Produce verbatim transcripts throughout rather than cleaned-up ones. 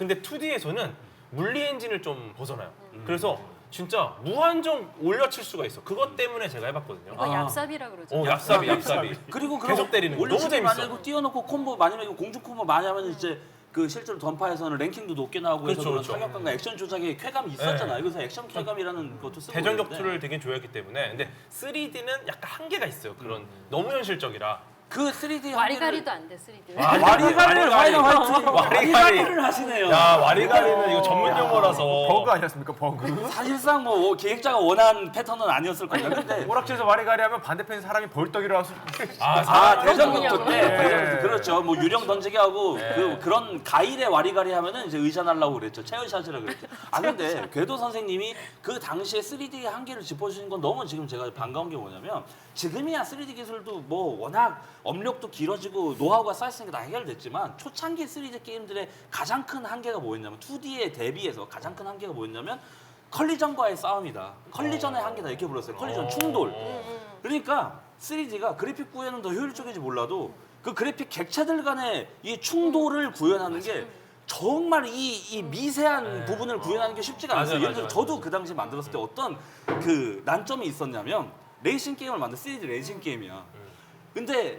근데 투디에서는 물리 엔진을 좀 벗어나요. 음. 그래서 진짜 무한정 올려칠 수가 있어. 그것 때문에 제가 해봤거든요. 이거 아. 얍삽이라 그러죠. 어, 얍삽이, 얍삽이. 그리고 계속 때리는 거 너무 올려치기 재밌어. 많이 하고 띄워놓고 콤보 많이 하고 공중 콤보 많이 하면 이제 그 실제로 던파에서는 랭킹도 높게 나오고 해서 그렇죠, 그런 그렇죠. 타격감과 액션 조작에 쾌감이 있었잖아요. 그래서 액션 쾌감이라는 것도 쓰고 대전 있는데 격투를 되게 좋아했기 때문에. 근데 쓰리디는 약간 한계가 있어요. 그런 너무 현실적이라. 그 쓰리디 와리가리도 안 돼, 쓰리디. 아, 와리가리를 와리가리. 화이트 화이트 와리가리. 와리가리를 하시네요. 야, 와리가리는 이거 전문 용어라서. 버그 아니었습니까? 버그? 사실상 뭐 기획자가 원한 패턴은 아니었을 거예요. 근데 오락실에서 와리가리 하면 반대편에 사람이 벌떡 일어나서 아, 아 사람 대전 그런 격투 때 네. 대전 격투 그렇죠. 뭐 유령 던지기 하고 네. 그 그런 가일의 와리가리 하면은 이제 의전하려고 그랬죠. 체어샷이라 그랬죠. 아 근데 궤도 선생님이 그 당시에 쓰리디의 한계를 짚어주신 건 너무 지금 제가 반가운 게 뭐냐면 지금이야 쓰리디 기술도 뭐 워낙 업력도 길어지고 노하우가 쌓였으니까 다 해결됐지만 초창기 쓰리디 게임들의 가장 큰 한계가 뭐였냐면 투디에 대비해서 가장 큰 한계가 뭐였냐면 컬리전과의 싸움이다. 컬리전의 한계다 이렇게 불렀어요. 컬리전 충돌. 그러니까 쓰리디가 그래픽 구현은 더 효율적인지 몰라도 그 그래픽 객체들 간의 이 충돌을 구현하는 게 정말 이, 이 미세한 네. 부분을 구현하는 게 쉽지가 맞아요, 않았어요. 예를 들어 맞아요, 저도 맞아요. 그 당시 만들었을 때 어떤 그 난점이 있었냐면 레이싱 게임을 만든 쓰리디 레이싱 게임이야. 근데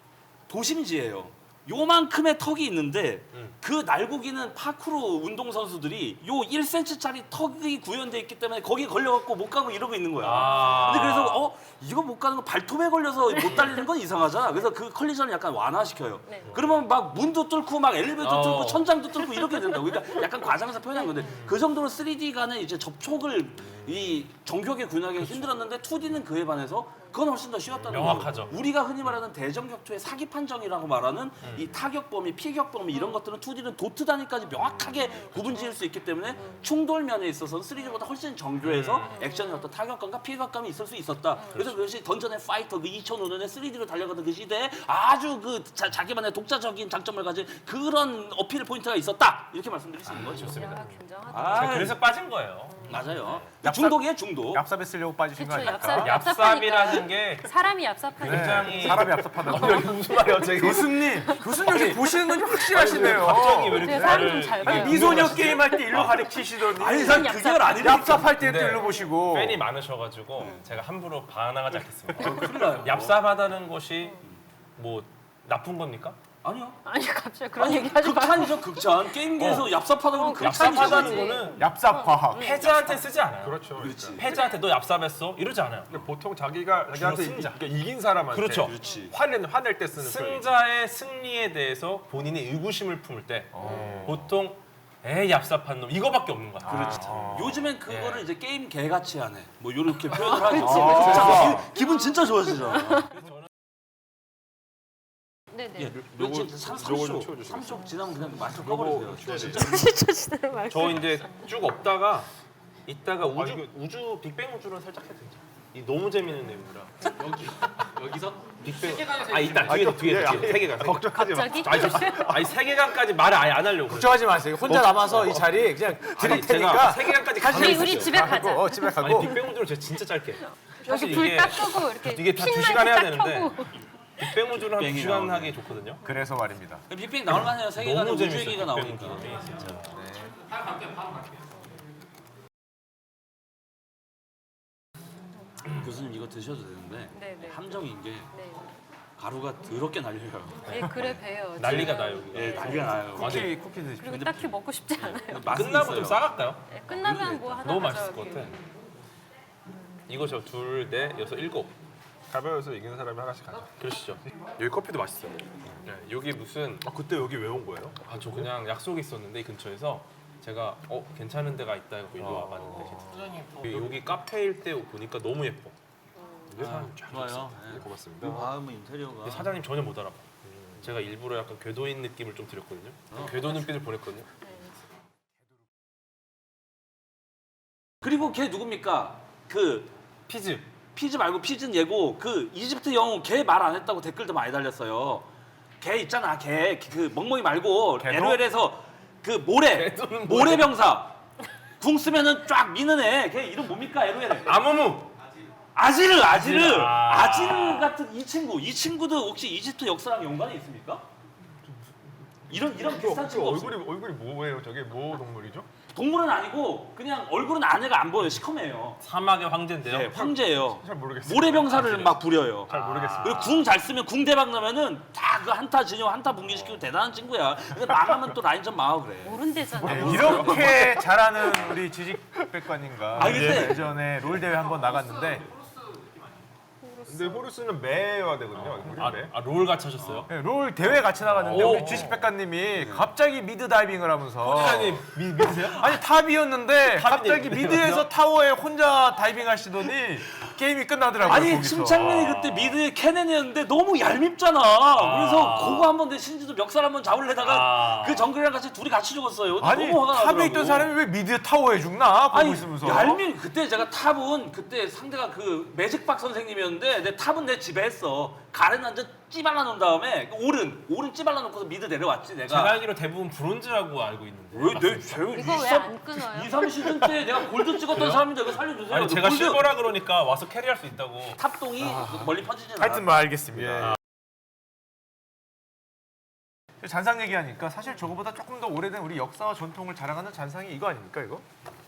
도심지예요. 요만큼의 턱이 있는데 음. 그 날고기는 파쿠르 운동 선수들이 요 일 센티미터짜리 턱이 구현돼 있기 때문에 거기에 걸려갖고 못 가고 이러고 있는 거야. 아. 근데 그래서 어 이거 못 가는 거 발톱에 걸려서 못 달리는 건 이상하잖아. 그래서 그 컬리전을 약간 완화시켜요. 네. 그러면 막 문도 뚫고 막 엘리베이터 어. 뚫고 천장도 뚫고 이렇게 된다고. 그러니까 약간 과장해서 표현한 건데 그 정도로 쓰리디 간의 이제 접촉을 이 정교하게 구현하기가 힘들었는데 투디는 그에 반해서 그건 훨씬 더 쉬웠다는 거예요. 명확하죠. 우리가 흔히 말하는 대전 격투의 사기 판정이라고 말하는 음. 이 타격 범위, 피격 범위 이런 것들은 투디는 도트 단위까지 명확하게 구분지을 수 있기 때문에 충돌 면에 있어서는 쓰리디보다 훨씬 정교해서 음. 액션의 어떤 타격감과 피격감이 있을 수 있었다. 그래서 그것이 던전의 파이터 그 이천오 년에 쓰리디로 달려가던 그 시대에 아주 그 자, 자기만의 독자적인 장점을 가진 그런 어필 포인트가 있었다. 이렇게 말씀드릴 수 있는 거죠. 야, 굉장하다. 아, 제가 그래서 빠진 거예요. 맞아요. 얍삽- 중독이에요, 중독. 얍삽에 쓰려고 빠지신 거 그쵸, 아닙니까? 얍삽. 얍삽이라는 게 사람이 얍삽하니까. 굉장히 사람이 얍삽하다고. 여기 무슨 말이에요, 저기? 교수님, 교수님 혹시 보시는 건 좀 확실하시네요. 갑자기 왜 이렇게 제가 사람 나를- 좀잘 아니, 봐요. 미소녀 게임 할 때 일로 가리키시더니 아니, 난 얍삽. 그게 아니라 얍삽할 때 또 네. 일로 보시고 팬이 많으셔가지고 제가 함부로 반항하지 않겠습니다. 큰일 나요. 얍삽하다는 것이 뭐 나쁜 겁니까? 아니요. 아니 갑자기 그런 얘기 하지 마. 극찬이죠, 극찬. 게임계에서 얍삽하다고 하면 극찬이죠. 얍삽하다는 그치. 거는 얍삽 과학. 패자한테 쓰지 않아요. 그렇죠. 그렇지. 패자한테 너 얍삽했어? 이러지 않아요. 그러니까 보통 자기가 자기한테 승자. 이, 그러니까 이긴 사람한테 그렇죠. 그렇지. 화낼 화낼 때 쓰는 표현. 승자의 승리에 대해서 본인이 의구심을 품을 때 보통 에이 얍삽한 놈 이거밖에 없는 거야. 그렇지. 아. 요즘엔 그거를 예. 이제 게임 개같이 하네. 뭐 이렇게 표현을 하죠. 진짜 기, 기분 진짜 좋아지잖아. 네네. 예, 요거- 지금 삼 요거 좀 초, 치워주세요. 삼 초 지나면 그냥 마이크 요거 꺼버리세요. 치워주세요. 시켜주시는 말씀. 저 이제 쭉 없다가 이따가 우주 이거- 우주 빅뱅 우주를 살짝 해도 되죠. 이 너무 재밌는 내용이라. 여기 여기서 빅뱅. 세계관에서 아 이따 뒤에 뒤에 뒤에 세계관. 걱정하지 마. 갑자기? 아니, 저- 아니 세계관까지 말을 아예 안 하려고. 그래요. 걱정하지 마세요. 혼자 남아서 이 자리 그냥 드릴 아니, 제가 테니까 세계관까지 가시면 우리 가면 우리 있어요. 집에 가자. 어, 집에 아니 가고 빅뱅 우주를 제가 진짜 짧게. 여기 사실 불 이게 딱 끄고 이렇게 이게 다 두 핀 시간 해야 라이트 딱 되는데 켜고. 빅뱅 우주를 한 두 빅뱅이 시간 나오네. 하기 좋거든요. 그래서 말입니다. 빅뱅 나올 만해요. 세계관에 너무 우주 재밌어요. 얘기가 빅뱅 나오니까. 우주는 진짜. 바로 갈게요. 바로 갈게요. 교수님 이거 드셔도 되는데 네네. 함정인 게 네. 가루가 더럽게 날려요. 예, 그래 배요. 난리가 지금. 나요 여기가. 예, 난리가 나요. 쿠키 쿠키 드십시오. 그리고 딱히 먹고 싶지 않아요. 맛은 끝나고 있어요. 좀 싸갈까요? 예, 끝나면 뭐 하나 너무 맛있을 것 가져올게요. 같아. 이거 저 둘, 넷, 여섯, 일곱. 가벼워서 이기는 사람이 하나씩 가자. 그러시죠. 여기 커피도 맛있어요. 네, 여기 무슨 아 그때 여기 왜 온 거예요? 아 저 그냥 약속이 있었는데 이 근처에서 제가 어 괜찮은 데가 있다 해서 일로 와봤는데 소장님 뭐 여기, 여기 카페일 때 보니까 너무 예뻐. 아, 좋아요. 네, 예. 고맙습니다. 이 마음의 인테리어가 근데 사장님 전혀 못 알아봐. 제가 일부러 약간 궤도인 느낌을 좀 드렸거든요. 궤도 눈빛을 보냈거든요. 그리고 걔 누굽니까? 그 피즈. 피즈 말고 피즈는 얘고 그 이집트 영웅 걔 말 안 했다고 댓글도 많이 달렸어요. 걔 있잖아. 걔 그 멍멍이 말고 걔도? 엘오엘에서 그 모래 걔도는 모래 병사 궁 쓰면은 쫙 미는 애. 걔 이름 뭡니까? 엘오엘. 아무무. 아지르 아지르 아. 아지르 같은 이 친구 이 친구도 혹시 이집트 역사랑 연관이 있습니까? 이런 이런 비슷한 그 친구 없어요. 얼굴이 얼굴이 뭐예요? 저게 뭐 동물이죠? 동물은 아니고 그냥 얼굴은 안에가 안 보여요. 시커매요. 사막의 황제인데요. 네, 황제예요. 잘 모르겠어요. 모래병사를 막 부려요. 잘 모르겠어요. 그리고 궁 잘 쓰면 궁 대박 나면은 다 그 한타 진영 한타 붕괴시키고 대단한 친구야. 근데 망하면 또 라인전 망하고 그래. 모른대잖아. 네, 이렇게 잘하는 우리 지직백관님과 아, 근데- 예전에 롤 대회 한번 나갔는데 근데 호루스는 매여야 되거든요. 우리 아, 매. 아, 롤 같이 하셨어요? 네, 롤 대회 같이 나갔는데 오. 우리 지식백관님이 갑자기 미드 다이빙을 하면서 호주장님 미, 믿으세요? 아니 탑이었는데 갑자기 탑인데 미드에서 타워에 혼자 다이빙 하시더니 게임이 끝나더라고요. 아니 거기서. 침착맨이 그때 미드에 캐넨이었는데 너무 얄밉잖아. 그래서 그거 한번 내 신지도 멱살 한번 잡으려다가 아. 그 정글이랑 같이 둘이 같이 죽었어요. 아니 너무 화가 나더라고. 탑에 있던 사람이 왜 미드 타워에 죽나 보고 아니 있으면서 얄미 그때 제가 탑은 그때 상대가 그 매직박 선생님이었는데 내 탑은 내 집에 했어. 가렌 완전 찌발라 놓은 다음에 오른 오른 찌발라 놓고서 미드 내려왔지 내가. 제가 알기로 대부분 브론즈라고 알고 있는데. 왜내 제가 이거 왜 안 끊어요? 이, 삼 시즌 때 내가 골드 찍었던 그래요? 사람인데 이거 살려주세요. 아니 제가 골드 실버라 그러니까 와서 캐리할 수 있다고. 탑동이 멀리 퍼지진 않아. 하여튼 뭐 알겠습니다. 예. 잔상 얘기하니까 사실 저거보다 조금 더 오래된 우리 역사와 전통을 자랑하는 잔상이 이거 아닙니까 이거?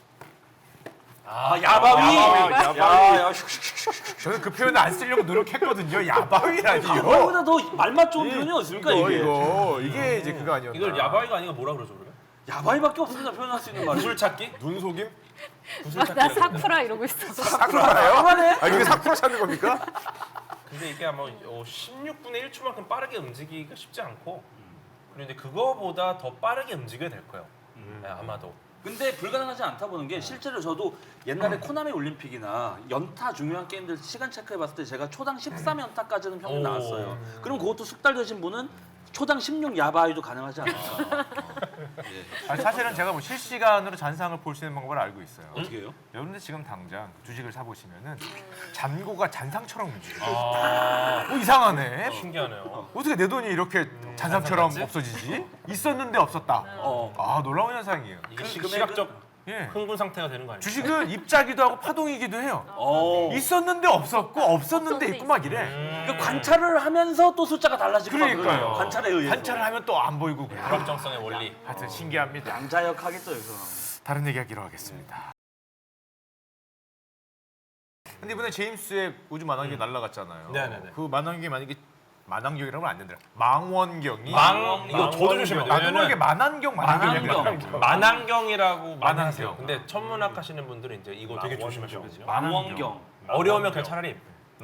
아 야바위. 야바위, 야, 야, 저는 그 표현을 안 쓰려고 노력했거든요. 야바위라니요. 야바위보다 더 말맛 좋은 표현이 없습니까 이거 이게? 이거 이게 이제 그거 아니었나? 이걸 야바이가 아니라 뭐라 그러죠 그러면? 야바위밖에 없습니다 표현할 수 있는 말이. 구슬 찾기? 눈속임? 구슬 아, 나 찾기. 사쿠라 이러고 있었어. 사쿠라예요? 그만해. 아 이게 사쿠라 찾는 겁니까? 근데 이게 아마 어, 십육분의 일 초만큼 빠르게 움직이기가 쉽지 않고 그런데 그거보다 더 빠르게 움직여야 될 거예요. 네, 아마도. 근데 불가능하지 않다 보는 게 실제로 저도 옛날에 코나미 올림픽이나 연타 중요한 게임들 시간 체크해 봤을 때 제가 초당 십삼 연타까지는 평균 오. 나왔어요. 그럼 그것도 숙달되신 분은 초당 십육 야바위도 가능하지 않을까. 아니, 사실은 제가 뭐 실시간으로 잔상을 볼 수 있는 방법을 알고 있어요. 어떻게 해요? 여러분들 지금 당장 주식을 사 보시면은 잔고가 잔상처럼 움직여요. 아, 어, 이상하네. 신기하네요. 어떻게 내 돈이 이렇게 잔상처럼 잔상 같지? 없어지지? 있었는데 없었다. 어. 아 놀라운 현상이에요. 이게 그 시, 금액은- 시각적 예. 흥분 상태가 되는 거 아니에요? 주식은 입자기도 하고 파동이기도 해요. 어. 있었는데 없었고 없었는데 없었는데 있고 막 이래. 음, 그 관찰을 하면서 또 숫자가 달라지고 막 그러니까요. 그래요. 관찰에 의해서. 관찰을 하면 또 안 보이고 그래요. 불확정성의 원리. 하여튼 신기합니다. 양자역 하겠죠 여기서. 다른 얘기하기로 하겠습니다. 근데 이번에 제임스의 우주 만환경이 날아갔잖아요. 네네네. 그 만환경이 만약에 만환경이라고 하면 안 된다. 망원경이 망 이거 저도 조심해야 돼요. 나도 모르게 왜냐면 만환경 만환경이 만환경. 만환경이라고 많이 만환경. 하세요. 근데 천문학 하시는 분들은 이제 이거 되게 조심하셔야거든요. 망원경. 어려우면 그냥 차라리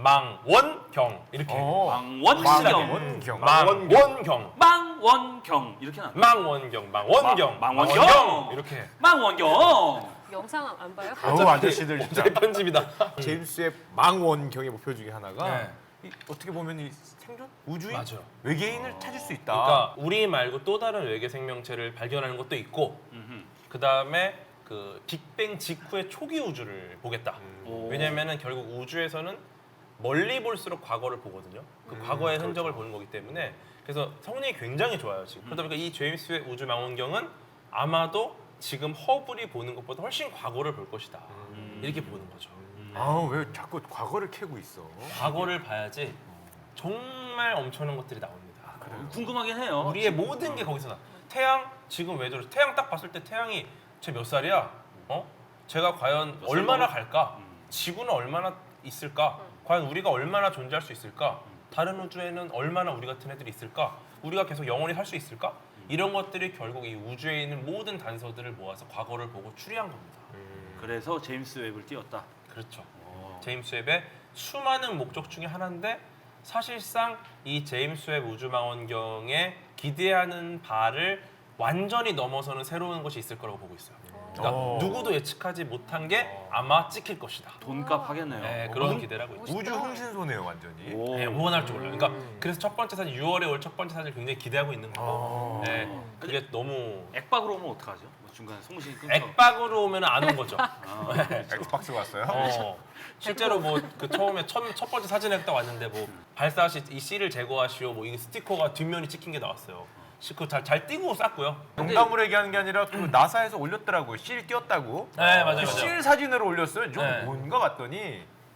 망원경 이렇게. 어. 망원경. 망원경. 망원경. 망원경 이렇게 나. 망원경. 망원경. 망- 망원경. 이렇게. 망원경. 영상 안 봐요? 어우 아저씨들 진짜 어차피 편집이다. 제임스의 망원경의 목표 중에 하나가 네. 이, 어떻게 보면 이 생존 우주인 맞아요. 외계인을 찾을 수 있다. 그러니까 우리 말고 또 다른 외계 생명체를 발견하는 것도 있고 그 다음에 그 빅뱅 직후의 초기 우주를 보겠다. 오. 왜냐면은 결국 우주에서는 멀리 볼수록 과거를 보거든요. 그 과거의 흔적을 보는 거기 때문에 그래서 성능이 굉장히 좋아요 지금. 그러다 보니까 이 제임스의 우주 망원경은 아마도 지금 허블이 보는 것보다 훨씬 과거를 볼 것이다. 이렇게 보는 거죠. 아우 왜 자꾸 과거를 캐고 있어? 과거를 봐야지 정말 엄청난 것들이 나옵니다. 궁금하긴 해요. 우리의 모든 게 거기서 나. 태양 지금 왜 저래? 태양 딱 봤을 때 태양이 쟤 몇 살이야? 어? 제가 과연 몇 살 얼마나 먹었- 갈까? 음. 지구는 얼마나 있을까? 과연 우리가 얼마나 존재할 수 있을까? 다른 우주에는 얼마나 우리 같은 애들이 있을까? 우리가 계속 영원히 살 수 있을까? 이런 것들이 결국 이 우주에 있는 모든 단서들을 모아서 과거를 보고 추리한 겁니다. 그래서 제임스 웹을 띄웠다. 그렇죠. 오. 제임스 웹의 수많은 목적 중에 하나인데 사실상 이 제임스 웹 우주망원경에 기대하는 바를 완전히 넘어서는 새로운 것이 있을 거라고 보고 있어요. 그러니까 오. 누구도 예측하지 못한 게 아마 찍힐 것이다. 돈값 하겠네요. 네, 그런 기대를 하고 있죠. 우주 흥신소네요 완전히. 오. 네, 무언할 줄 몰라요. 그러니까 그래서 첫 번째 사진 유월에 올 첫 번째 사진을 굉장히 기대하고 있는 거고. 네, 그게 너무 액박으로 오면 어떡하죠? 뭐 중간에 송신이 끊겨. 액박으로 오면 안 온 거죠. 아, 엑스박스 왔어요? 어, 실제로 뭐 그 처음에 첫, 첫 번째 사진에 딱 왔는데 뭐 발사시 이 C를 제거하시오 뭐 이 스티커가 뒷면이 찍힌 게 나왔어요. 그거 잘, 잘 띄고 쌌고요. 농담으로 얘기하는 게 아니라 그 나사에서 올렸더라고요. 실 띄었다고. 네 맞아요. 그 맞아요. 실 사진으로 올렸어요. 좀 네. 뭔가 봤더니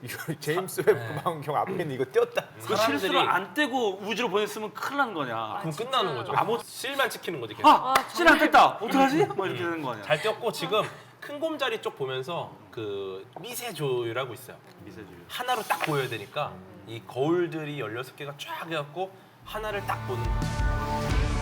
이거 제임스 웹 망원경 앞에 있는 이거 띄었다. 그 사람들이- 실수를 안 떼고 우주로 보냈으면 큰일 나는 거냐. 그럼 진짜. 끝나는 거죠. 아무- 실만 찍히는 거지. 계속. 아, 아, 실 안 뗐다. 어떡하지? 뭐 이렇게 되는 거 아니야. 잘 띄었고 지금 큰 곰자리 쪽 보면서 그 미세 조율하고 있어요. 미세주의. 하나로 딱 보여야 되니까 이 거울들이 열여섯 개가 쫙 해갖고 하나를 딱 보는 거죠.